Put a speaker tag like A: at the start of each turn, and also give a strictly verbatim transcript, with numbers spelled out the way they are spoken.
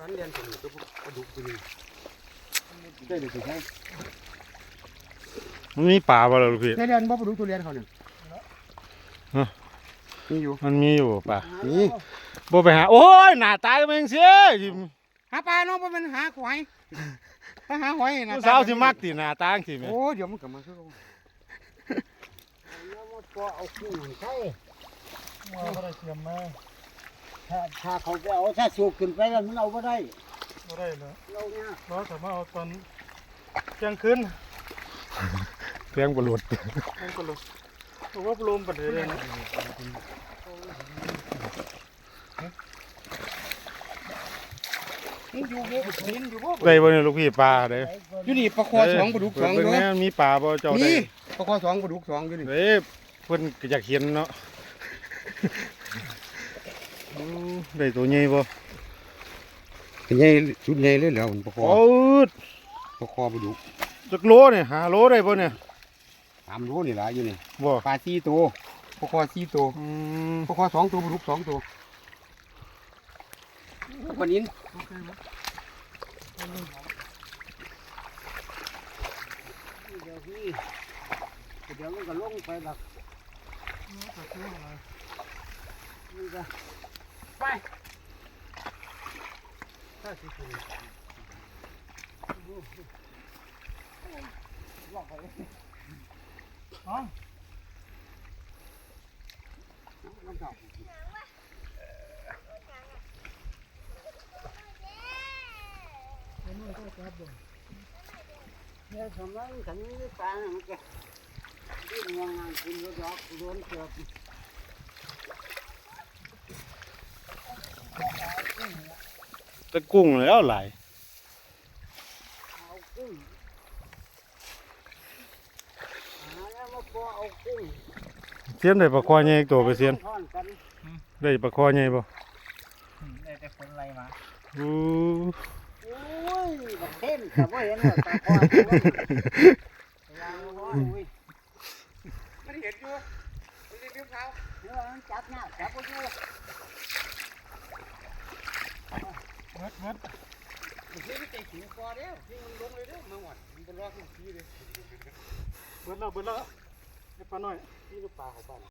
A: พันเรียนสมุนก็กระดูกตัวนี้ได้เลยสิใช่
B: มันมีป่าบ่ล่ะลูกพี่
A: ได้เรียนบ่กระดูกตัวเรียนเขาเนี่ยมีอยู่
B: มันมีอยู่ป่า
A: นี่
B: บ่ไปหาโอ้ยหน้าตาก็เป็นเสีย
A: หาปลาน้องบ่เป็นหาหอยถ้าหาหอยนะ
B: ผู้สาวสิมักติหน้าตาจังซี่แม่
A: โอ้เดี๋ยวมันกลับมาคือก็เอาขึ้นใช่มาบ่ได้เตรียมมาถ้าถ้าเขาไปเอาถ้าสูบขึ้นไปแล้วมันเอาบ่ได้
C: บ่ได้แล้ว
A: เราเนี่ย
C: เราสามารถเอาตอนเที่ยงคืน
B: เพียงบ่หลุด
C: มันก็ลงเพราะว่าลมปัดเลยนะ
A: อยู่บ่กินอยู่บ่
B: ได้บ่เนี่ยลูกพี่ปลาเด้
A: อยู่นี่ปลาคอสองปลาดุกสองอยู่
B: มีปลาบ่เจ้าได้
A: นี่ปลาคอสองปลาดุกสองอยู่นี่
B: เด้เพิ่นก็อยากเห็นเนาะได้ตัวใหญ่บ่
A: ใหญ่ชุดใหญ่เลยแล้วปลาคอ
B: โอ้ด
A: ปลาคอปลาดุก
B: จักโลเนี่ยห้าโลได้บ่เนี่ย
A: สามโลนี่ล่ะอยู่นี่
B: บ่
A: ปลาสี่ตัวปลาคอสี่ตัว
B: อืม
A: ปลาคอสองตัวปลาดุกสองตัวปลานินเดี๋ยวพี่เดี๋ยวมันก็ลงไปหลักนี่ก็ไปถ้าสิคุณลอกไปอ๋อน้ำเก่าเนี่ยสมัยฉันไม่ตายมันก็ดิ้นยังไงคุณรถยกโดนเกือบ
B: ตะกุ้งแล้วหลาย
A: เอากุ้งหาแล้วมาพอเอากุ้ง
B: เสียนได้ปลาคอใหญ่ตัวไปเสียนได้ปลาคอใหญ่บ่
C: ได้แต่คนไรมา
B: อู้
A: โอ้ยบักเท่นแต่ว่าเห็นว่าตาคอตัวยังร้อนอุ้ยมันเห็นอยู่มันรีบเขาเดี๋ยวมันจับเนี่ยจับก็อยู่
C: มัดมัด
A: มันไม่ได้ขิงคอเด้อที่มันลงเลยเด้อมาหวัดมันเป็นรอดทุกทีเลย
C: เบิดแล้วเบิดแล้วให้ปลาหน่อย
A: นี่ลูกปลาของบ้าน